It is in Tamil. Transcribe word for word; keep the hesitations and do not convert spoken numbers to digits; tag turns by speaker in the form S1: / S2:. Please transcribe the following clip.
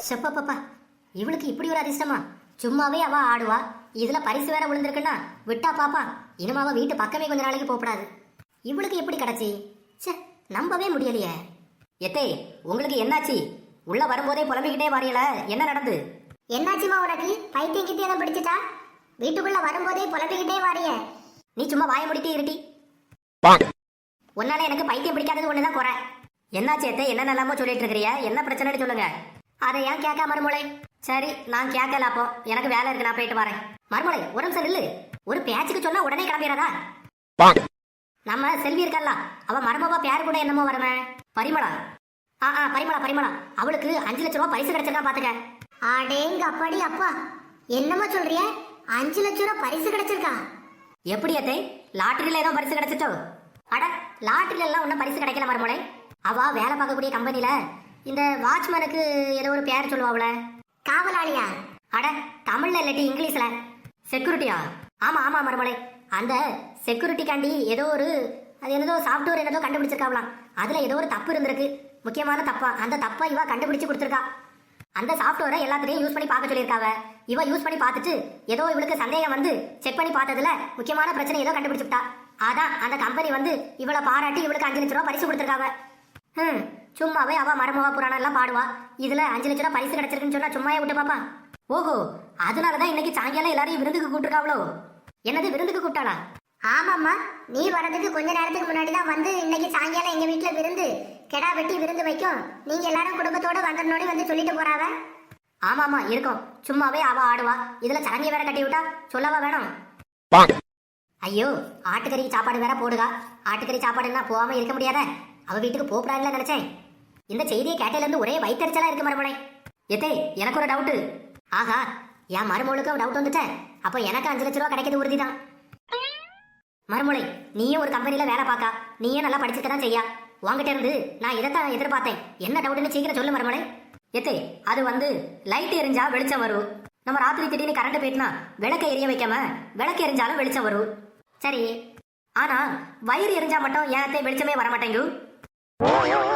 S1: செப்பப்பா, இவளுக்கு இப்படி ஒரு அதிர்ஷ்டமா? சும்மாவே அவ ஆடுவா, இதுல பரிசு வேற விழுந்திருக்குன்னா விட்டா பாப்பா. இனிமே அவ வீட்டு பக்கமே கொஞ்ச நாளைக்கு போகக்கூடாது. இவளுக்கு எப்படி கிடைச்சி? சே, நம்பவே முடியலையே. எத்தே, உங்களுக்கு என்னாச்சு? உள்ள வரும்போதே புலம்பிக்கிட்டே வாரியல, என்ன நடந்து?
S2: என்னாச்சுமா உனக்கு? பைத்தியம் கிட்டே தான் பிடிச்சிட்டா? வீட்டுக்குள்ள வரும்போதே புலம்பிக்கிட்டே வாரிய.
S1: நீ சும்மா வாய முடிட்டே இருட்டி. உன்னால எனக்கு பைத்தியம் பிடிக்காதது ஒண்ணுதான் குறை. என்னாச்சு எத்தே, என்ன நல்லாமோ சொல்லிட்டு இருக்கிறிய? என்ன பிரச்சனைன்னு சொல்லுங்க. அதை ஏன் கேட்க மறுமொழி? சரி, நான் கேட்கல. அப்போ எனக்கு வேலை இருக்கு, நான் போயிட்டு வரேன். மறுமொழி, ஒரு நிமிஷம் நில்லு. ஒரு பேச்சுக்கு சொன்னா உடனே கிளம்பிடுறதா? நம்ம செல்வி இருக்கல்ல, அவ மருமவா பேர் கூட என்னமோ வரமே, பரிமளா. ஆ ஆ பரிமளா பரிமளா அவளுக்கு அஞ்சு லட்ச ரூபா பரிசு கிடைச்சிருக்கா பாத்துக்க.
S2: அடேங்க அப்பாடி அப்பா, என்னமா சொல்றிய? அஞ்சு லட்சம் ரூபாய் பரிசு கிடைச்சிருக்கா?
S1: எப்படி அத்தை, லாட்டரியில ஏதோ பரிசு கிடைச்சிட்டோ? அட, லாட்டரியில எல்லாம் ஒன்னும் பரிசு கிடைக்கல மறுமொழி. அவ வேலை பார்க்கக்கூடிய கம்பெனில இந்த வாட்ச்மேனுக்கு ஏதோ ஒரு பேர் சொல்லுவாவுல,
S2: காவலாளியா?
S1: அட, தமிழ்ல இல்லாட்டி இங்கிலீஷ்ல செக்யூரிட்டியா? ஆமா ஆமா மறுமொழி, அந்த செக்யூரிட்டிக்காண்டி ஏதோ ஒரு அது என்னதோ சாஃப்ட்வேர் என்னதோ கண்டுபிடிச்சிருக்காவலாம். அதுல ஏதோ ஒரு தப்பு இருந்திருக்கு, முக்கியமான தப்பா. அந்த தப்பா இவ கண்டுபிடிச்சு கொடுத்துருக்கா. அந்த சாஃப்ட்வேரை எல்லாத்தையும் யூஸ் பண்ணி பார்க்க சொல்லியிருக்காவ. இவ யூஸ் பண்ணி பார்த்துட்டு ஏதோ இவளுக்கு சந்தேகம் வந்து செக் பண்ணி பார்த்ததுல முக்கியமான பிரச்சனை ஏதோ கண்டுபிடிச்சுட்டா. அதான் அந்த கம்பெனி வந்து இவளை பாராட்டி இவளுக்கு அஞ்சு லட்ச ரூபா பரிசு கொடுத்துருக்காவ. ஹம் சும்மாவே அவ மருமவா புராணம் எல்லாம் பாடுவா. இதுல அஞ்சு லட்ச ரூபா பரிசு கிடைச்சிருக்குன்னு சொன்னா சும்மாவே விட்டு பாப்பா. ஓஹோ, அதனாலதான் இன்னைக்கு சாயங்காலம் எல்லாரையும் விருந்துக்கு கூப்பிட்டுருக்காவளோ? என்னது, விருந்துக்கு கூப்பிட்டாளா?
S2: ஆமாம்மா, நீ வரதுக்கு கொஞ்ச நேரத்துக்கு முன்னாடி தான் வந்து இன்னைக்கு சாயங்காலம் எங்க வீட்டுல விருந்து, கெடா வெட்டி விருந்து வைக்கும், நீங்க எல்லாரும் குடும்பத்தோட வந்துடணும்னு வந்து சொல்லிட்டு போறாவ.
S1: ஆமா ஆமா இருக்கும், சும்மாவே அவ ஆடுவா. இதுல சரங்கிய வேற கட்டி விட்டா சொல்லவா வேணும்? ஐயோ, ஆட்டுக்கறி சாப்பாடு வேற போடுகா. ஆட்டுக்கறி சாப்பாடுன்னா போகாம இருக்க முடியாத. அவ வீட்டுக்கு போகக்கூடாதுன்னு நினைச்சேன். இந்த செய்தியை கேட்டதுல இருந்து ஒரே வயிற்றுச்சலா இருக்கு மருமலை. எத்தே, எனக்கு ஒரு டவுட்டு. ஆஹா, என் மருமகளுக்கு டவுட் வந்துட்டேன். அப்போ எனக்கு அஞ்சு லட்ச ரூபா கிடைக்கிறது உறுதிதான். மருமலை, நீயும் ஒரு கம்பெனில வேலை பார்க்கா, நீயே நல்லா படிச்சுக்க தான் செய்யா. உங்ககிட்ட இருந்து நான் இதைத்தான் எதிர்பார்த்தேன். என்ன டவுட்னு சீக்கிரம் சொல்லு மருமலை. எத்தே, அது வந்து லைட் எரிஞ்சா வெளிச்சம் வரும். நம்ம ராத்திரி திடீர்னு கரண்ட் போயிட்டுனா விளக்க எரிய வைக்காம விளக்கு எரிஞ்சாலும் வெளிச்சம் வரும். சரி, ஆனா வயிறு எரிஞ்சா மட்டும் ஏன் வெளிச்சமே வர மாட்டேங்கு?